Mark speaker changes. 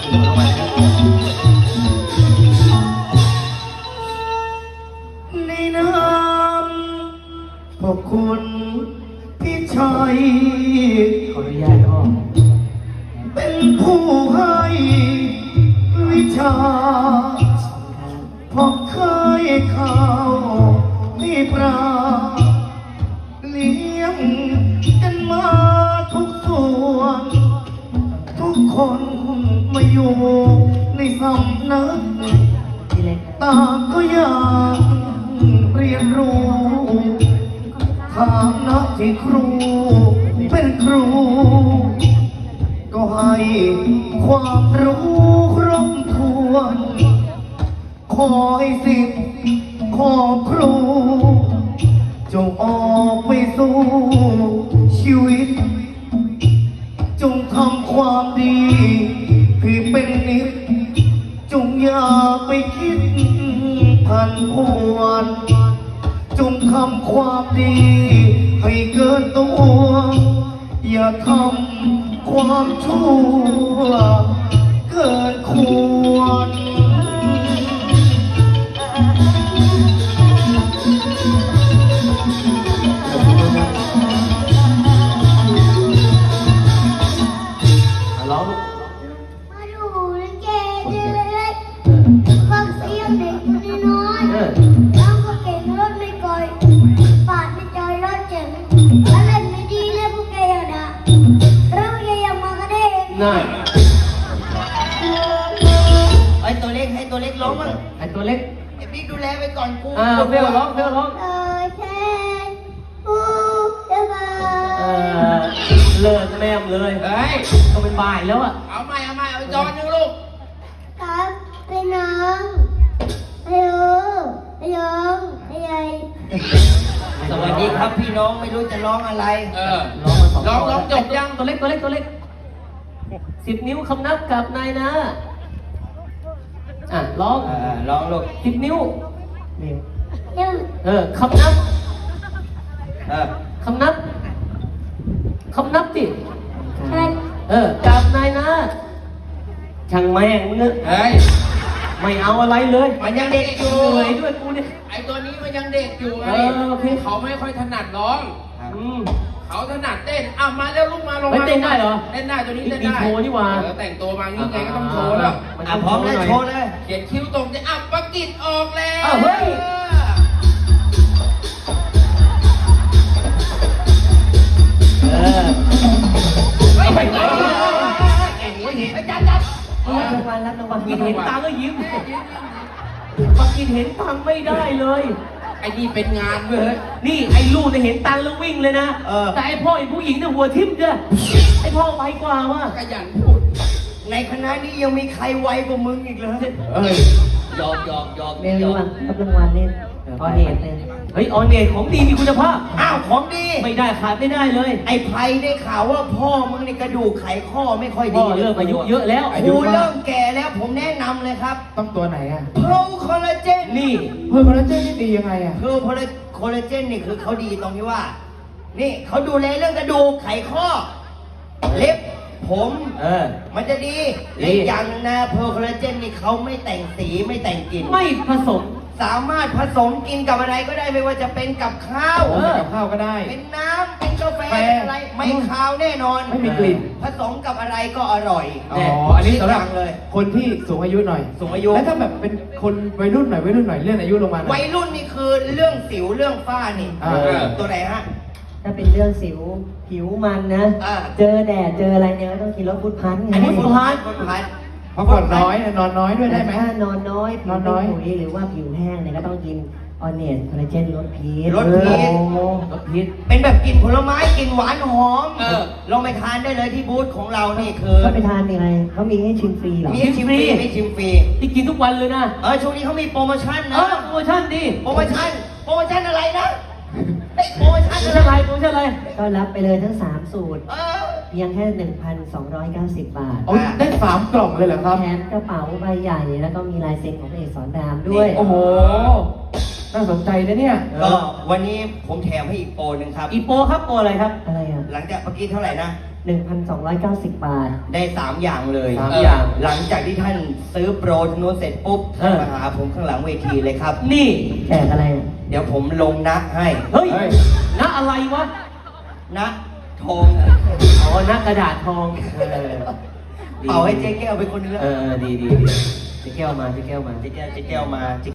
Speaker 1: ในน้ำขอบคุณพี่ชัย
Speaker 2: ขออนุญาตพ่อ
Speaker 1: เป็นผู้ให้วิชาพอเคยเข้าที่ปราเลี้ยงกันมาทุกส่วนทุกคนมาอยู่ในสำนักต่างก็อยากเรียนรู้ฐานะที่ครูเป็นครูก็ให้ความรู้ครบถ้วนขอให้สิทธิ์ขอครูจงออกไปสู่ชีวิตจงทำความดีให้เป็นนิจจงอย่าไปคิดพันพวนจงทำความดีให้เกินตัวอย่าทำความชั่วเกินควร
Speaker 2: ร้อง
Speaker 3: มาดูลิเกเล็กฟังเสียงเด็กตัวน้อยร้องก็เก่งรถไม่ก่อยปาดไม่จอยรถเจ๋งอะไรไม่ดีเลยพวกแกอย่าด่าแล้วพวกแกอย่ามากระเด้ง
Speaker 2: น่า
Speaker 1: ไอ้ตัวเล็กให้ตัวเล็กร้องมั้ง
Speaker 2: ไอตัวเล็ก
Speaker 1: ไอ้บิ๊กดูแลไปก่อนกู
Speaker 2: เฟลร้องเฟลร้อง
Speaker 3: แทนผู้เดือบา
Speaker 2: เลิกแม่มเลย
Speaker 4: เฮ้ย
Speaker 2: ก็เป็นบ่ายแล้วอ่ะ
Speaker 4: เอาอีกจอนหนึงลูก
Speaker 3: ครับเป็นน้องฮัลโหลฮัลโหลฮัลโหล
Speaker 1: สวัสดีครับพี่น้องไม่รู้จะร้องอะไร
Speaker 4: เออ
Speaker 2: ร้องมาสอง
Speaker 4: ร้องจบยัง
Speaker 2: ตัวเล็ก10 นิ้วคำนับกับนายนะร้อง
Speaker 1: ร้องลูก
Speaker 2: 10 นิ้ว
Speaker 3: หนึ่ง
Speaker 2: คำนับ
Speaker 1: เออ
Speaker 2: คำนับสิ
Speaker 3: ใช่
Speaker 2: กับนายนะช่างแม่งมึงเนอะ
Speaker 4: เฮ้ย
Speaker 2: ไม่เอาอะไรเลย
Speaker 4: มันยังเด็กอยู่
Speaker 2: เหนื่อยด้วยกูเนี่ย
Speaker 4: ไอตัวนี้มันยังเด็กอยู่ไง
Speaker 2: โอเค
Speaker 4: เขาไม่ค่อยถนัดร้อง
Speaker 2: อืม
Speaker 4: เขาถนัดเต้นมาแล้วลูกมาลง
Speaker 2: เฮ้ย
Speaker 4: มา
Speaker 2: เต้นได้เหรอ
Speaker 4: เต้นได้ตัวนี้เต้น
Speaker 2: มี
Speaker 4: ได้
Speaker 2: โชว์นี่หว่า
Speaker 4: แต่งตัวมางี้ไงก็ต้องโชว์แล้ว
Speaker 2: มัน
Speaker 1: พร้อมแล้วโชว์เลย
Speaker 4: เขียนคิ้วตรงจะประกิดออกแล้ว
Speaker 2: เฮ้ย เออ
Speaker 4: เฮ้ย
Speaker 2: ไป
Speaker 4: เก่งเว้ยไอ้จัด
Speaker 2: รับรางวัลกินเห็นตังค์ก็ยิ้มปักกินเห็นตังค์ไม่ได้เลย
Speaker 4: ไอ้นี่เป็นงานเว้ย
Speaker 2: นี่ไอ้ลูกเนี่ยเห็นตังค์แล้ววิ่งเลยนะ แต่ไอ้พ่อไอ้ผู้หญิงเนี่ยหัวทิ่มเจ้ะไอ้พ่อไวกว่าว่ะ
Speaker 4: ขยันพูด
Speaker 1: ในคณะนี้ยังมีใครไวกว่ามึงอีกเหรอ
Speaker 4: เอ้ย
Speaker 1: หยอก
Speaker 5: เรียนรู้อ่ะรับรางวัลเนี่ยพอเหตุเนี่ย
Speaker 2: เฮ้ยออนเนตของดีมีคุณภาพ
Speaker 1: อ้าวของดี
Speaker 2: ไม่ได้ขาดไม่ได้เลย
Speaker 1: ไอ้ไพได้ข่าวว่าพ่อมึงในกระดูกไขข้อไม่ค่อย
Speaker 2: พ่
Speaker 1: ดี
Speaker 2: อเริ่มอายุเยอะแล้ว
Speaker 1: กูเริ่มแก่แล้วผมแนะนำเลยครับ
Speaker 4: ต้องตัวไหนอ่ะ
Speaker 1: เพลคอลลาเจน
Speaker 2: นี่
Speaker 4: เฮ้ยคอลลาเจนนี่ดียังไงอ่ะ
Speaker 1: คือคอลลาเจนนี่คือเขาดีตรงที่ว่า นี่เขาดูแลเรื่องกระดูกไขข้อ เล็บผม มันจะดีและอีกอย่างหนึงนะเพลคอลลาเจนนี่เขาไม่แต่งสีไม่แต่งกลิ่น
Speaker 2: ไม่ผสม
Speaker 1: สามารถผสมกินกับอะไรก็ได้ไม่ว่าจะเป็นกับข้าว
Speaker 4: กับข้าวก็ได้
Speaker 1: เป็นน้ำเป็นกาแฟเป็นอะไรไม่คาวแน่นอน
Speaker 4: ไม่มีกลิ่น
Speaker 1: ผสมกับอะไรก็อร่อย
Speaker 4: อ๋อ อันนี้สำหรับ
Speaker 1: เลย
Speaker 4: คนที่สูงอายุหน่อย
Speaker 1: สูงอายุ
Speaker 4: แล้วถ้าแบบเป็นคนวัยรุ่นหน่อยเลื่อนอายุลงมาหน่อ
Speaker 1: วั
Speaker 4: ย
Speaker 1: ยรุ่นนี่คือเรื่องสิวเรื่องฝ้านี่ ตัวไหนฮะ
Speaker 5: ถ้าเป็นเรื่องสิวผิวมันนะ เจอแดดเจออะไรเนี่ยก็ต้องกินรสพุทพันธ์ไง
Speaker 1: อันนี้ฟุตพาร์ท
Speaker 4: เพราะก่อนน้อยนอนน้อยด้วยได้ไหม
Speaker 5: ถ้านอนน้อย
Speaker 4: นอนน้อย
Speaker 5: ผิวเป็นขุยหรือว่าผิวแห้งเนี่ยก็ต้องกินออนเนตคอลลาเจนลดพิษ
Speaker 1: ลดพิษ
Speaker 2: รสพิษ
Speaker 1: เป็นแบบกลิ่นผลไม้กลิ่นหวานหอม
Speaker 4: เออ
Speaker 1: ลองไปทานได้เลยที่บูธของเรานี่คือ
Speaker 5: ก็ไปทานยังไงเขามีให้ชิมฟรีเหรอ
Speaker 1: มีให้ชิมฟรีมีชิมฟรี
Speaker 2: ที่กินทุกวันเลยนะ
Speaker 1: ช่วงนี้เขามีโปรโมชั่น
Speaker 2: เอ
Speaker 1: นะ
Speaker 2: อโปรโมชั่นดี
Speaker 1: โปรโมชั่นอะไรนะโปรโมชั่น
Speaker 2: โปรโม
Speaker 1: อะ
Speaker 2: ชั่น
Speaker 1: ไร
Speaker 2: อะไรโปรโมชั่นอะไร
Speaker 5: ก็รับไปเลยทั้ง 3 สูตร
Speaker 1: เออ
Speaker 5: เพียงแค่ 1,290 บาท
Speaker 4: โอ้ยได้3 กล่องเลยเหรอครับ
Speaker 5: แถมกระเป๋าใบใหญ่แล้วก็มีลายเซ็นของพระเอกสอนรามด้วย
Speaker 4: โอ้โห น่าสนใจนะเนี่ย
Speaker 1: ก็วันนี้ผมแถมให้อีกโปรหนึ่งครับ
Speaker 2: อีโปรครับโปรอะไรครับ
Speaker 5: อะไรอ่ะ
Speaker 1: หลังจากเมื่อกี้เท่าไหร่นะ
Speaker 5: 1,290 บาท
Speaker 6: ได้3 อย่างเลย
Speaker 2: สามอย่าง
Speaker 6: หลังจากที่ท่านซื้อโปรจำนวนเสร็จปุ๊บ
Speaker 2: เออ
Speaker 6: มาหาผมข้างหลังเวทีเลยครับ
Speaker 2: นี่
Speaker 5: แจกอะไรอ่ะ
Speaker 6: เดี๋ยวผมลงนะให้
Speaker 2: เฮ้ย
Speaker 4: เฮ้ย
Speaker 2: นะอะไรวะ
Speaker 6: นะทอง
Speaker 2: อ๋อนะกระดาษทองดี
Speaker 6: เป่าให้เจ๊แก้วเป็นคนเลือก
Speaker 2: ดีเจ๊แก้วมา
Speaker 6: เจ๊แก้วมา